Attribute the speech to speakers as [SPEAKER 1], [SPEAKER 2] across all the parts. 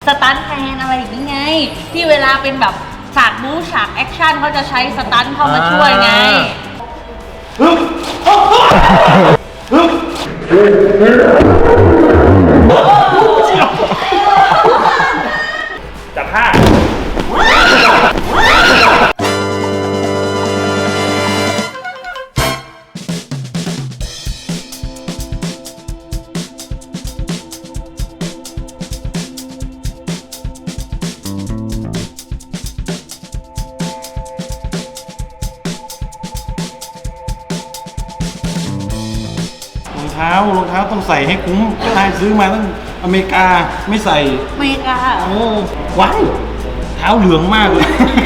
[SPEAKER 1] สตันท์แมนอะไรอย่างนี้ไงที่เวลาเป็นแบบฉากบู๊ฉากแอคชั่นเขาจะใช้สตันท์เข้ามาช่วยไง
[SPEAKER 2] จับผ้า
[SPEAKER 3] รองเท้าต้องใส่ให้คุ้มใช่ซื้อมาตั้งอเมริกาไม่ใส่
[SPEAKER 1] อเมริกา
[SPEAKER 3] โอ้ว้าวเท้าเหลืองมากเลย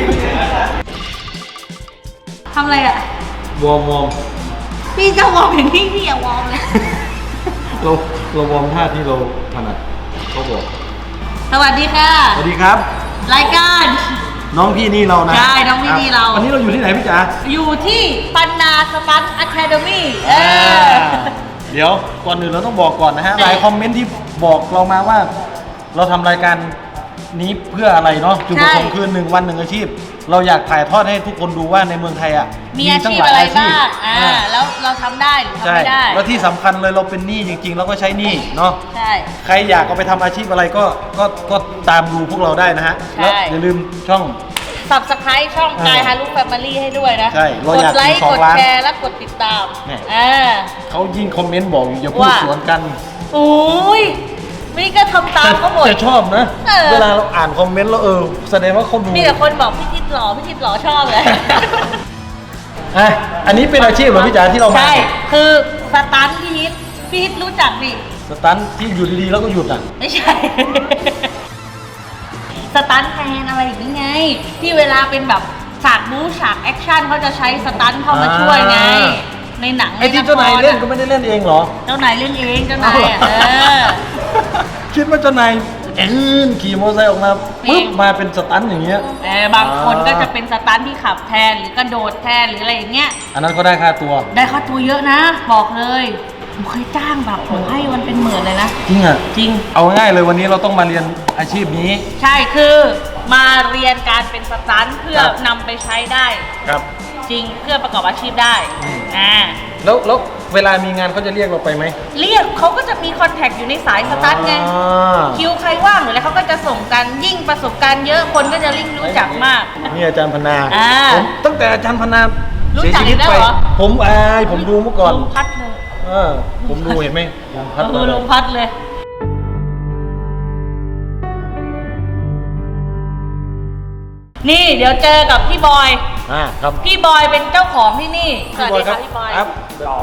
[SPEAKER 1] ทำอะไรอ่ะ
[SPEAKER 3] วอร์ม
[SPEAKER 1] พี่จะวอร์มอย่างที่พี่อย่าวอร์มเลย
[SPEAKER 3] เราวอร์มท่าที่เราถนัดเขาบอก
[SPEAKER 1] สวัสดีค่ะ
[SPEAKER 3] สวัสดีครับ
[SPEAKER 1] รายการ
[SPEAKER 3] น้องพี่นี่เรานะ
[SPEAKER 1] ใช่น้องพี่นี่เรา
[SPEAKER 3] วันนี้เราอยู่ที่ไหนพี่จ๋า
[SPEAKER 1] อยู่ที่ปันนาสตันท์อะคาเดมี่
[SPEAKER 3] เดี๋ยวก่อนอื่นเราต้องบอกก่อนนะฮะหลายคอมเมนต์ที่บอกเรามาว่าเราทำรายการนี้เพื่ออะไรเนาะจุดประสงค์คือ1 วัน1 อาชีพเราอยากถ่ายทอดให้ทุกคนดูว่าในเมืองไทยอ่ะ
[SPEAKER 1] มีอาชีพอะไรบ้างแล้วเราทำได้หรือทำไม่ได้
[SPEAKER 3] แล้วที่สำคัญเลยเราเป็นหนี้จริงๆเราก็ใช้หนี้เนาะ
[SPEAKER 1] ใช่
[SPEAKER 3] ใครอยากเอาไปทำอาชีพอะไรก็ตามดูพวกเราได้นะฮะแล้วอย่าลืมช่อง
[SPEAKER 1] Subscribe ช่องกายฮารุแฟมิลี่ให้ด้วยนะ
[SPEAKER 3] ใช่
[SPEAKER 1] กดไลค์กดแชร์และกดติดตาม
[SPEAKER 3] เขายิ่งคอมเมนต์บอกอย่าพูดสวนกัน
[SPEAKER 1] โอ้ยนี่ก็ทำตามเขาหมด
[SPEAKER 3] จะชอบนะเวลาเราอ่านคอมเมนต์แล้วแสดงว่าเขาดู
[SPEAKER 1] มีแต่คนบอกพี่ทิศหล่อชอบเลย
[SPEAKER 3] อันนี้เป็นอาชีพเหรอพี่จ๋าที่เรา
[SPEAKER 1] ใช่คือสตันท์พี่ทิศรู้จักดิ
[SPEAKER 3] สตันท์ที่อยู่ดีๆแล้วก็หยุดอ่ะ
[SPEAKER 1] ไม่ใช่สตันท์แมนอะไรอย่างนี้ไงที่เวลาเป็นแบบฉากบู๊ฉากแอคชั่นเขาจะใช้สตันท์เข้ามาช่วยไงในหนัง
[SPEAKER 3] ไอ้ที่เจ้านายเล่นก็ไม่ได้เล่นเองเหรอ
[SPEAKER 1] เจ้านายเล่นเองเจ้านาย
[SPEAKER 3] คิดว่าเจ้านายขี่มอเตอร์ไซค์ออกมาปุ๊บมาเป็นสตันท์อย่างเงี้ย
[SPEAKER 1] บางคนก็จะเป็นสตันท์ที่ขับแทนหรือกระโดดแทนหรืออะไรอย่างเงี้ย
[SPEAKER 3] อันนั้นก็ได้ค่าตัว
[SPEAKER 1] เยอะนะบอกเลยผมเคยจ้างแบบผมให้มันเป็น10,000เลยนะ
[SPEAKER 3] จริงอ่ะ
[SPEAKER 1] จริง
[SPEAKER 3] เอาง่ายเลยวันนี้เราต้องมาเรียนอาชีพนี้
[SPEAKER 1] ใช่คือมาเรียนการเป็นสตันท์เพื่อนำไปใช้ได้
[SPEAKER 3] ครับ
[SPEAKER 1] จริงเพื่อประกอบอาชีพได้
[SPEAKER 3] แล้วเวลามีงานเขาจะเรียกเราไปไหม
[SPEAKER 1] เรียกเขาก็จะมีคอนแทคอยู่ในสายสตันท์ไงคิวใครว่างหรืออะไรเขาก็จะส่งกันยิ่งประสบการณ์เยอะคนก็จะยิ่งรู้จักมาก
[SPEAKER 3] นี่อาจารย์พนาผมตั้งแต่อาจารย์พนา
[SPEAKER 1] เสียชีวิตไป
[SPEAKER 3] ผมดูเมื่อก่อน
[SPEAKER 1] ลมพัดเลย
[SPEAKER 3] ผมดูเห็นไหมลม
[SPEAKER 1] พัดเลยนี่เดี๋ยวเจอกับพี่บอย
[SPEAKER 3] ครับ
[SPEAKER 1] พี่บอยเป็นเจ้าของที่นี่สวัสดีครับพี่บอย
[SPEAKER 3] ครับ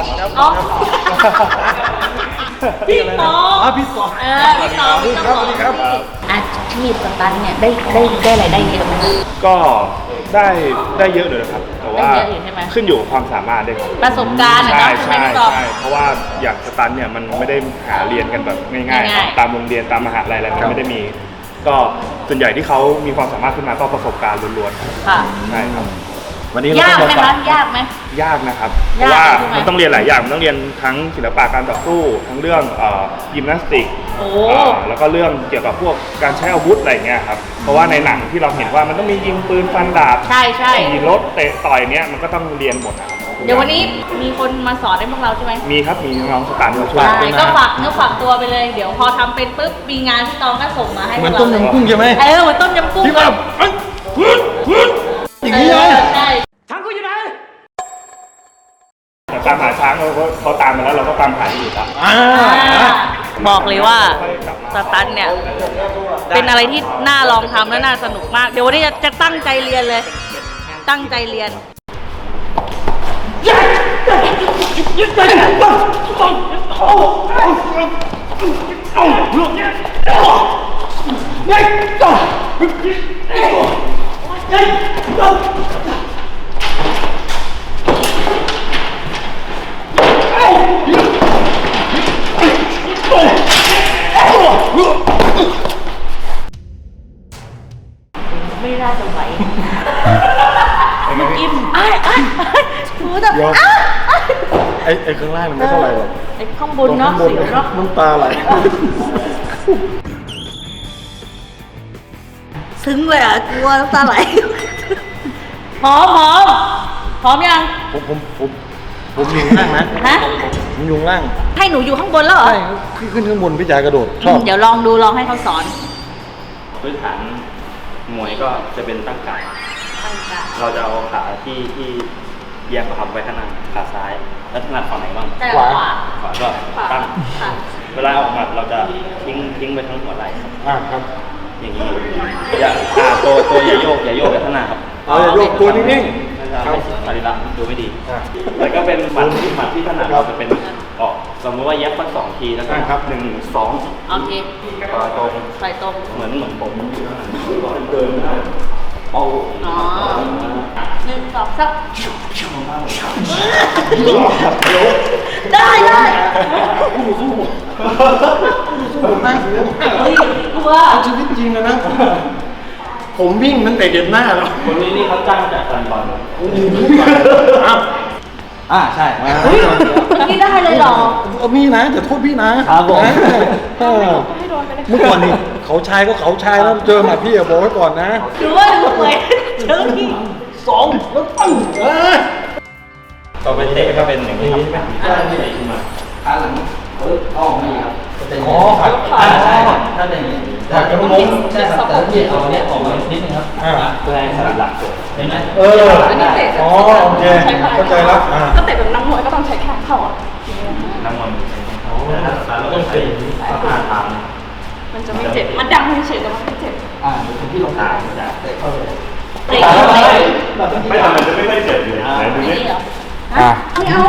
[SPEAKER 1] พี่ปอ
[SPEAKER 3] พี่ต่อ
[SPEAKER 1] พี่ต่อ
[SPEAKER 3] สวัสดีครับ
[SPEAKER 1] อาชีพสตันท์เนี่ยได้รายได้เยอะไหม
[SPEAKER 2] ก็ได้เยอะเลยครับแต่ว่าขึ้นอยู่กับความสามารถด้วยครับ
[SPEAKER 1] ประสบการณ์
[SPEAKER 2] ใช่เพราะว่าอย่างสตันท์เนี่ยมันไม่ได้หาเรียนกันแบบง่ายๆตามโรงเรียนตามมหาลัยอะไรมันไม่ได้มีก็ส่วนใหญ่ที่เขามีความสามารถขึ้นมาก็ประสบการณ์ล้วนๆค่ะใช่ครับ
[SPEAKER 3] วันนี้
[SPEAKER 1] ยากไหมคะยากไหม
[SPEAKER 2] ยากนะครับเพราะว่ามันต้องเรียนหลายอย่างมันต้องเรียนทั้งศิลปะการต่อสู้ทั้งเรื่องยิมนาสติกแล้วก็เรื่องเกี่ยวกับพวกการใช้อาวุธอะไรเงี้ยครับเพราะว่าในหนังที่เราเห็นว่ามันต้องมียิงปืนฟันดาบ
[SPEAKER 1] ใช่
[SPEAKER 2] ขี่รถเตะต่อยเนี้ยมันก็ต้องเรียนหมดนะครับ
[SPEAKER 1] เดี๋ยววันนี้มีคนมาสอนให้พวกเราใช่ไหม
[SPEAKER 2] มีครับมีน้องสตาร์มาช่วย
[SPEAKER 1] ก็ฝากเนื้อฝากตัวไปเลยเดี๋ยวพอทำเป็นปุ๊บมีงานพี่ตองก็ส่งมาให้
[SPEAKER 3] เหมือนต้มยำกุ้งใช่ไหม
[SPEAKER 1] เหมือนต้มยำกุ้ง
[SPEAKER 3] ที่แบบอย่างนี้เลย
[SPEAKER 1] ช้างกูอยู่ไหน
[SPEAKER 2] ตามหาช้างเขาตามมาแล้วเราก็ตามหาอยู่ครับ
[SPEAKER 1] บอกเลยว่าสตันท์เนี่ยเป็นอะไรที่น่าลองทำและน่าสนุกมากเดี๋ยววันนี้จะตั้งใจเรียนเลยตั้งใจเรียนไม่น่าจะไหวอิ่มหูแบบ
[SPEAKER 3] ไอ้ข้างล่างมันไม่เท่าไหร่หรอก
[SPEAKER 1] ไอ้ข้างบนเนาะสิวเนาะ
[SPEAKER 3] น้ำตาไหล
[SPEAKER 1] ซึ้งเลยอ่ะกลัวน้ำตาไหลพร้อมพร้อมยัง
[SPEAKER 3] ผมอยู่ข้างล่างนะ
[SPEAKER 1] ฮะ
[SPEAKER 3] ผมอยู่ข้างล่าง
[SPEAKER 1] ให้หนูอยู่ข้างบนแล้วเหรอ
[SPEAKER 3] ใช่ขึ้นข้างบนพี่จ๋ากระโดดชอบ
[SPEAKER 1] เดี๋ยวลองดูลองให้เขาสอน
[SPEAKER 4] พื้นฐานมวยก็จะเป็นตั้งกาดเราจะเอาขาที่เอียงกับไว้ข้างหน้าขาซ้าย แล้วถนัดฝั่งไหนบ้าง
[SPEAKER 1] ขวา
[SPEAKER 4] ขวาก็ตั้ง
[SPEAKER 1] ค่ะ
[SPEAKER 4] เวลาออกหมัดเราจะทิ้งไปทั้งหัวไหล่ครับ
[SPEAKER 3] ครับ
[SPEAKER 4] อย่างนี้อย่าตัวอย่าโยกอย่าข้างหน้าครับ
[SPEAKER 3] เอาอย่าโยกตัวนิ่ง
[SPEAKER 4] นั่นจะไม่สรีระดูไม่ดี แล้วก็เป็นหมัดที่ถนัดเราจะเป็นออกสมมติว่าแยบสัก2 ทีแล้วก็1 2
[SPEAKER 1] โอเค
[SPEAKER 4] ต่อตรง
[SPEAKER 1] ใส่ตรง
[SPEAKER 4] เหมือนผมอยู่ข้างหลังก่อนเดินเอา
[SPEAKER 1] อ๋อ1 2 3ได้เฮ้ยกลัว
[SPEAKER 3] เอาชีวิตจริงนะผมวิ่งตั้งแต่เด็กหน้าแล้ว
[SPEAKER 4] คนนี้นี่เขาจ้างจากการบอล ใช่
[SPEAKER 1] เฮ้ยนี่ได้เลยเหรอ
[SPEAKER 3] มีนะแต่โทษพี่นะครับ
[SPEAKER 4] ผม
[SPEAKER 3] เมื่อก่อนนี่เขาชายก็เขาชายแล้วเจอหมาพี่อะบอกไว้ก่อนนะ
[SPEAKER 1] หรือว่าหนูเหมือนเจอพี่
[SPEAKER 3] 2แล้วปั้ง
[SPEAKER 4] ต่อไปเตะก็เป็นอย่างนี้ครับ
[SPEAKER 3] อ๋อครับ
[SPEAKER 4] ถ้าเป็นอย่างนี้
[SPEAKER 3] ผักกระมง
[SPEAKER 4] ใช่ครับแต่ถ้าเตะออกเนี่ยออกมานิดนึงครับเพื่อให้สรีระเกิดเห็นไหม
[SPEAKER 5] อันนี้เตะ
[SPEAKER 3] อ๋อโอเคเข้าใจแล้ว
[SPEAKER 5] ก็เตะแบบนักมวยก็ต้องใช้แข้งเข่าอ่ะ
[SPEAKER 4] นั่งมันแล้วเราต้องใช้ท่าทาง
[SPEAKER 5] มันจะไม่เจ็บ มันดังเฉยๆแต่มันไม่เจ็บ
[SPEAKER 4] ที่เราทางจะเตะเข้าเลย
[SPEAKER 1] เตะ
[SPEAKER 2] ไม่ทำมันจะไม่ค่อยเจ็บอยู่ไหนดู
[SPEAKER 1] ไม่
[SPEAKER 2] ดิ
[SPEAKER 1] เหรอ
[SPEAKER 5] ไม่เอา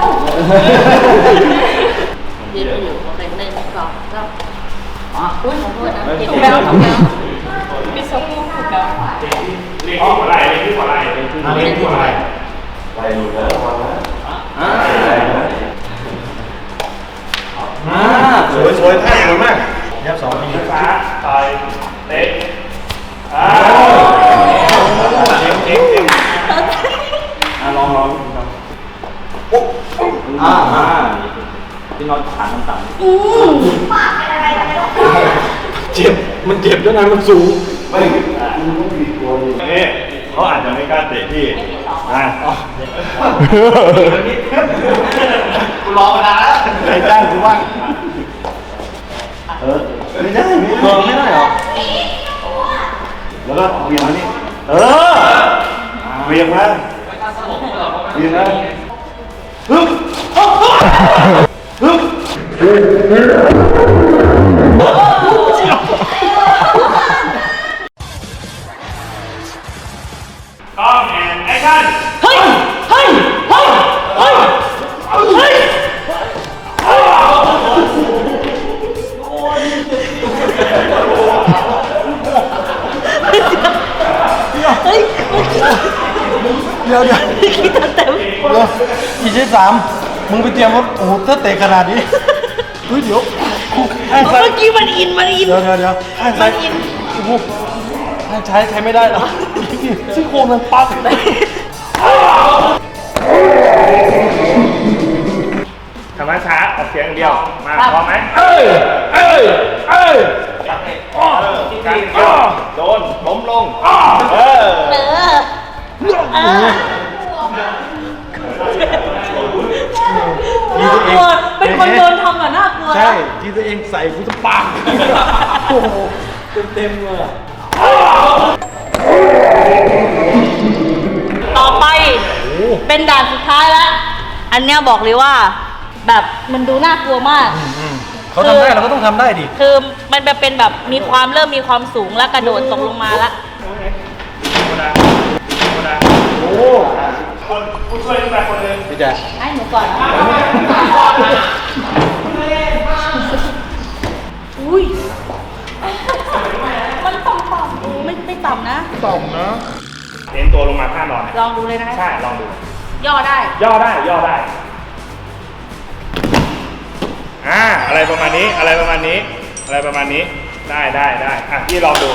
[SPEAKER 1] ยืนอยู่โอเค1 2 3อ๋ออุ้ยขอโทษนะเก็บ
[SPEAKER 5] ถูก
[SPEAKER 1] แล้
[SPEAKER 5] แล้ว
[SPEAKER 1] ว
[SPEAKER 5] ถูกแล้วพี่โซ่ถูกแล้ว
[SPEAKER 2] เรียกที่หัวไหล่เรียกที่หัวไหล่เรียกที่หัวไหล่
[SPEAKER 3] สวยท่าสวยมากยับ2 ที
[SPEAKER 2] ช้าต่อยเตะเก่ง
[SPEAKER 4] ลองพี่น็อตขาต่ำ
[SPEAKER 3] เจ็บมันเจ็บด้วยนะมันสูง
[SPEAKER 2] นี่เขาอาจจะไม่กล้าเตะพี่กูรอมานานแล้วใครจ้างกูบ้างไม่ได้ไม่ได้หรอแล้วก็เวียงมานี่เวียงมาฮึบกล้องแอนแอคชั่น
[SPEAKER 1] เฮ้ย
[SPEAKER 3] เดี๋ยว
[SPEAKER 1] คิดเต็ม
[SPEAKER 3] อีก3มึงไปเตรียมว่าโอ้โหถ้าเตะขนาดนี้เฮ้ยเดี๋ยวข้างซ้าย
[SPEAKER 1] เมื่อกี้มันอิน
[SPEAKER 3] เดี๋ยวข้างซ้ายโอ้โหข้างซ้ายใช้ไม่ได้หรอซี่โครงมันปั๊บ
[SPEAKER 2] ทำช้าออกเสียงอย่างเดียวมาพร้อมไหมการโดนล้มลง
[SPEAKER 1] กลัวเป็นคนโดนทำอ่ะน่ากลัว
[SPEAKER 3] ใช่ที่ตัวเองใส่กูจะปังโอ้โหเต็มเลย
[SPEAKER 1] ต่อไปเป็นด่านสุดท้ายแล้ว อันเนี้ยบอกเลยว่า แบบมันดูน่ากลัวมาก
[SPEAKER 3] เขาทำได้เราก็ต้องทำได้ดิ
[SPEAKER 1] คือมันเป็นแบบเริ่มมีความสูงแล้วกระโดดตกลงมาแล้ว
[SPEAKER 3] โอ้
[SPEAKER 2] คนผู้ช่วยขึ้นมาคนหนึ่ง
[SPEAKER 3] พี่แจ๊ค
[SPEAKER 1] ให้หนูก่อนนะอุ้ยมันต่ำๆไม่ต่ำนะ
[SPEAKER 3] ต่อมนะ
[SPEAKER 2] เน้นตัวลงมาท่านอน
[SPEAKER 1] ลองดูเลยนะ
[SPEAKER 2] ใช่ลองดู
[SPEAKER 1] ย่อได้
[SPEAKER 2] ย่อได้อะไรประมาณนี้ได้อ่ะพี่ลองดู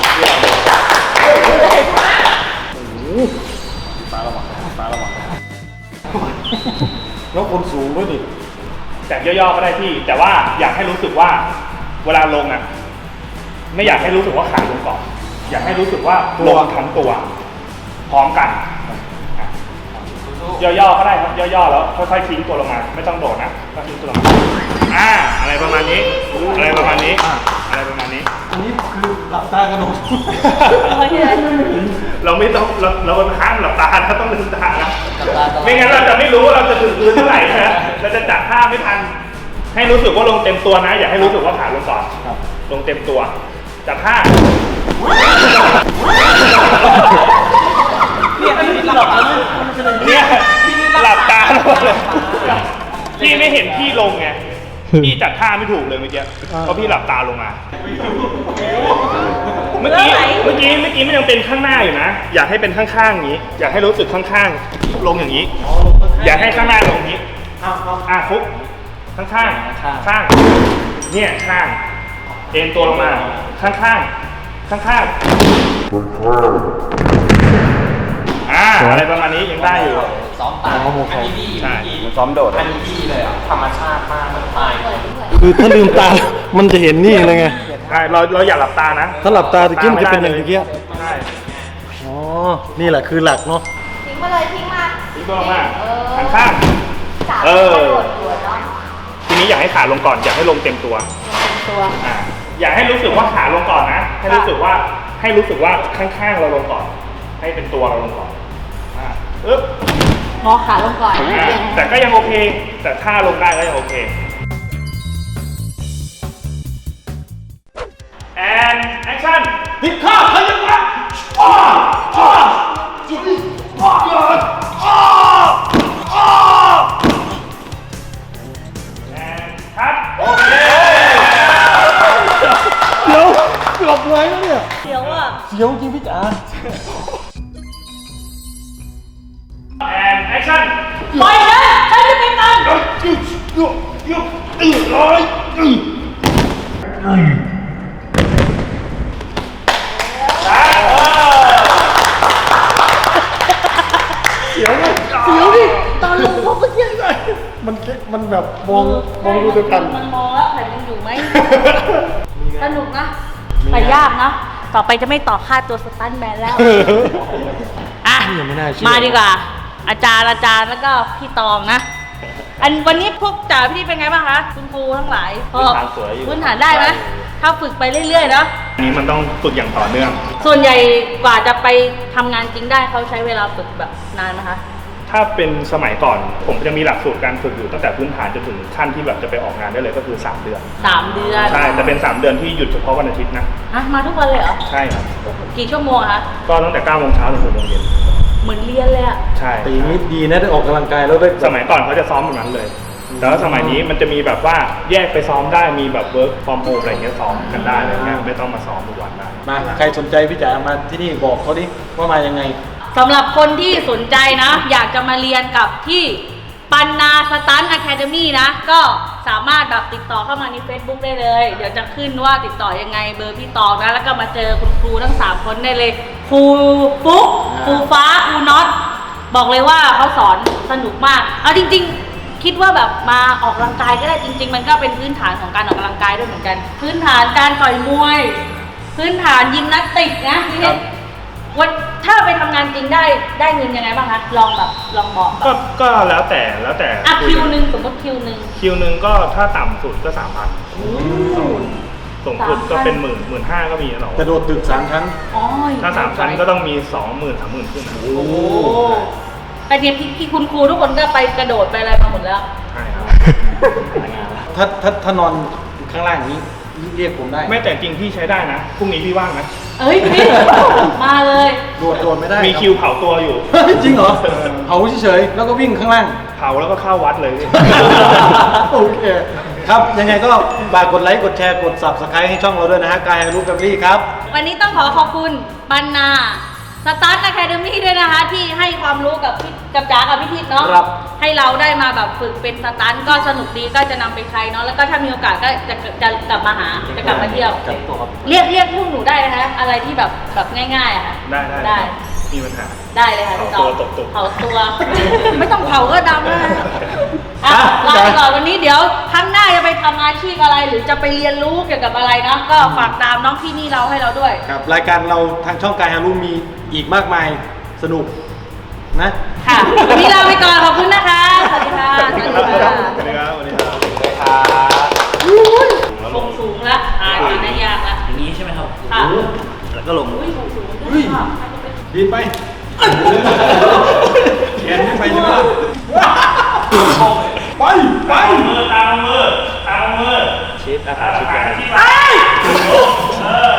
[SPEAKER 3] ฟ้าระวังแล้วคนสูงด้วยดิ
[SPEAKER 2] จากย่อๆก็ได้พี่ แต่ว่าอยากให้รู้สึกว่าเวลาลงอ่ะไม่อยากให้รู้สึกว่าขาลงก่อนอยากให้รู้สึกว่าลงทั้งตัว พร้อมกันย่อๆก็ได้ครับย่อๆแล้วค่อยๆทิ้งตัวลงมาไม่ต้องโดดนะก็ทิ้งตัวลงมาอะไรประมาณนี้อะไรประมาณนี้อะไรประมาณนี้
[SPEAKER 3] อันนี้คือหลับตากระโดด
[SPEAKER 2] เราไม่ต้องเราห้ามหลับตานะต้องลืมตานะไม่งั้นเราจะไม่รู้ว่าเราจะถึงพื้นเท่าไหร่นะเราจะจัดท่าไม่ทันให้รู้สึกว่าลงเต็มตัวนะอย่าให้รู้สึกว่าขาลงก่อนลงเต็มตัวจัดท่าเนี่ยหลับตาเลยพี่ไม่เห็นพี่ลงไงพี่จัดท่าไม่ถูกเลยเมื่อกี้เพราะพี่หลับตาลงมาเมื่อกี้มันยังเป็นข้างหน้าอยู่นะอยากให้เป็นข้างๆอย่างนี้อยากให้รู้สึกข้างๆลงอย่างนี้อยากให้ข้างหน้าลงอย่างนี้ฟุกข้างเนี่ยข้างเอ็นตัวลงมาข้างอะไรประมาณนี้ยังได้อยู่
[SPEAKER 4] ซ้อมตาอันนี้ดี
[SPEAKER 2] ใช่
[SPEAKER 4] ซ้อมโดดอันนี้ดีเลยอ่ะธรรมชาติมากมันตาย
[SPEAKER 3] คือถ้าลืมตา มันจะเห็นนี่เลยไง
[SPEAKER 2] ใช่เราอย่าหลับตานะ
[SPEAKER 3] ถ้าหลับตาตะกี้มันจะเป็นอย่างตะกี้
[SPEAKER 2] ใช่
[SPEAKER 3] อ๋อ นี่แหละคือหลักเนาะ
[SPEAKER 6] ทิ้งมาเลยทิ้งมา
[SPEAKER 2] ทิ้งตัวลงมาข้าง
[SPEAKER 6] จับ
[SPEAKER 2] เออ
[SPEAKER 6] กระโดดหัวเนาะ
[SPEAKER 2] ทีนี้อยากให้ขาลงก่อนอยากให้ลงเต็มตัว
[SPEAKER 1] ตัว
[SPEAKER 2] อยากให้รู้สึกว่าขาลงก่อนนะให้รู้สึกว่าข้างๆเราลงก่อน ให้เป็นตัวเราลงก่อนอึ๊บ
[SPEAKER 1] งอขาลงก่อน
[SPEAKER 2] แต่ก็ยังโอเค แต่ถ้าลงได้ก็ยังโอเค and action พิฆาตพยัญชนะจุดนี้and cut โอเค
[SPEAKER 3] เดี๋ยวเกือบเลยแล้วเนี่ย
[SPEAKER 1] เดี๋ยวอ่ะ
[SPEAKER 3] เสียวจริงพี่จ๋า
[SPEAKER 2] and action
[SPEAKER 1] ปล่อยนะฉันจะไม่ตัน
[SPEAKER 3] เสียวดิตอนลงพวกเมื่อกี้มันแบบมองดูด้วยกัน
[SPEAKER 1] มันมองแล้วแผ่นยังอยู่ไหม สนุกนะ แต่ยากนะ ต่อไปจะไม่ต่อค่าตัวสตันท์แมนแล้ว อ่ะ
[SPEAKER 3] ยังไม่น่าเชื่อ
[SPEAKER 1] มาดีกว่า อาจารย์แล้วก็พี่ตองนะ วันนี้พวกจ๋าพี่เป็นไงบ้างคะคุณครูทั้งหลาย
[SPEAKER 4] พื้นฐานสวยอยู่
[SPEAKER 1] พื้นฐานได้ไหมถ้าฝึกไปเรื่อยๆเนาะ
[SPEAKER 2] อันนี้มันต้องฝึกอย่างต่อเนื่อง
[SPEAKER 1] ส่วนใหญ่กว่าจะไปทำงานจริงได้เขาใช้เวลาฝึกแบบนานนะคะ
[SPEAKER 2] ถ้าเป็นสมัยก่อนผมจะมีหลักสูตรการฝึกอยู่ตั้งแต่พื้นฐานจนถึงขั้นที่แบบจะไปออกงานได้เลยก็คือ 3 เดือน
[SPEAKER 1] 3 เดือน
[SPEAKER 2] ใช่แต่เป็น 3 เดือนที่หยุดเฉพาะวันอาทิตย์นะ
[SPEAKER 1] ฮะมาทุกวันเลยเหรอ
[SPEAKER 2] ใช่ครับ
[SPEAKER 1] กี่ชั่วโมงอะคะ
[SPEAKER 2] ก็ตั้งแต่9 โมงเช้าถึง6 โมงเย็น
[SPEAKER 1] เหมือนเรียนเลยอะ
[SPEAKER 2] ใช่
[SPEAKER 3] ตีนิดดีนะได้ออกกำลังกายแล้วได้
[SPEAKER 2] สมัยก่อนเขาจะซ้อมแบบนั้นเลย แต่ว่าสมัยนี้มันจะมีแบบว่าแยกไปซ้อมได้มีแบบ work from home อะไรเงี้ยซ้อมกันได้อะไรเงี้ยไม่ต้องมาซ้อมทุกวันได้
[SPEAKER 3] มาใครสนใจพี่จ๋ามาที่นี่บอกเขาดิว่ามายังไง
[SPEAKER 1] สำหรับคนที่สนใจนะ อยากจะมาเรียนกับที่ปันนาสตันท์อะคาเดมี่นะ ก็สามารถแบบติดต่อเข้ามาใน Facebook ได้เลย เดี๋ยวจะขึ้นว่าติดต่อยังไงเบอร์พี่ตองนะ แล้วก็มาเจอคุณครูทั้ง 3 คนได้เลย ครูฟุ๊กครูฟ้า ครูน็อต บอกเลยว่าเขาสอนสนุกมาก เอาจริงๆ คิดว่าแบบมาออกกำลังกายก็ได้จริง ๆ มันก็เป็นพื้นฐานของการออกกำลังกายด้วยเหมือนกัน พื้นฐานการต่อยมวย พื้นฐานยิมนาสติกนะพี่เพชรวันถ้าไปทำงานจริงได้เงินยังไงบ้างคะลองบอกแบบ
[SPEAKER 2] ก็แล้วแต่
[SPEAKER 1] อ่ะคิวหนึ่งสมมติคิวหนึ่ง
[SPEAKER 2] คิวหนึ่งก็ถ้าต่ำสุดก็ 3,000สูงสุดก็เป็น15,000ก็มีนะหรอก
[SPEAKER 3] ระโดดตึก3 ชั้น
[SPEAKER 1] อ๋อ
[SPEAKER 2] ถ้า3 ชั้นก็ต้องมี 20,000 30,000ขึ้นนะ
[SPEAKER 1] โอ้แต่เนี่ยพี่คุณครูทุกคนก็ไปกระโดดไปอะไรมาหมดแล้ว
[SPEAKER 2] ใช่ครับ
[SPEAKER 3] ถ้านอนข้างล่างอย่างนี้เรียกผมได้
[SPEAKER 2] ไม่แต่จริงพี่ใช้ได้นะพรุ่งนี้พี่ว่างนะ
[SPEAKER 1] เอ้ยพี่มาเลย
[SPEAKER 3] โดดไม่ได้
[SPEAKER 2] มีคิวเผาตัวอยู่
[SPEAKER 3] จริงเหรอเผาเฉยๆแล้วก็วิ่งข้างล่าง
[SPEAKER 2] เผาแล้วก็เข้าวัดเลยพี่
[SPEAKER 3] โอเคครับยังไงก็ฝากกดไลค์กดแชร์กด Subscribe ให้ช่องเราด้วยนะฮะกายรูปแฟมิลี่ครับ
[SPEAKER 1] วันนี้ต้องขอบคุณปันนาสตันท์อะคาเดมี่ด้วยนะคะ ที่ให้ความรู้กับจ๋ากับพี่ทิพย์เนาะ
[SPEAKER 3] ครับ
[SPEAKER 1] ให้เราได้มาแบบฝึกเป็นสตันท์ก็สนุกดีก็จะนำไปใช้เนาะแล้วก็ถ้ามีโอกาสก็จะกลับมาหาจะกลับมาเที่ยว
[SPEAKER 3] ครับ
[SPEAKER 1] เรียกพวกหนูได้นะคะอะไรที่แบบง่ายๆอะค่ะ
[SPEAKER 2] ได้มีปัญหา
[SPEAKER 1] ได้เลยค่ะพี่ต่อ
[SPEAKER 2] เผาตัวตกตุ่ม
[SPEAKER 1] เผาตัว ไม่ต้องเผาก็ดำแล้วนะอ่ะลาไปก่อนวันนี้เดี๋ยวครั้งหน้าจะไปทำอาชีพอะไร หรือจะไปเรียนรู้เกี่ยวกับอะไรนะก็ฝากตามน้องพี่นี่เราให้เราด้วย
[SPEAKER 3] ครับรายการเราทางช่องกายฮารุมีอีกมากมายสนุกนะ
[SPEAKER 1] ค่ะ วันนี้ลาไปก่อนขอบคุณนะคะ สวัสดีค่ะ สวัสดีค่ะ
[SPEAKER 2] สวัสดีครับสวัสดีครับ
[SPEAKER 1] ลงสูงละตอนนี้ยากละ
[SPEAKER 4] อย่างนี้ใช่ไหมครับ
[SPEAKER 1] ค่ะ
[SPEAKER 4] แล้วก็ลง
[SPEAKER 1] อุ้ยสูง
[SPEAKER 3] เฮ้ย ดีดไปเขียนขึ้นไปใช่ไหมล่ะไปไป
[SPEAKER 2] ตามมือ
[SPEAKER 4] ชิปนะครับชิป
[SPEAKER 1] ไป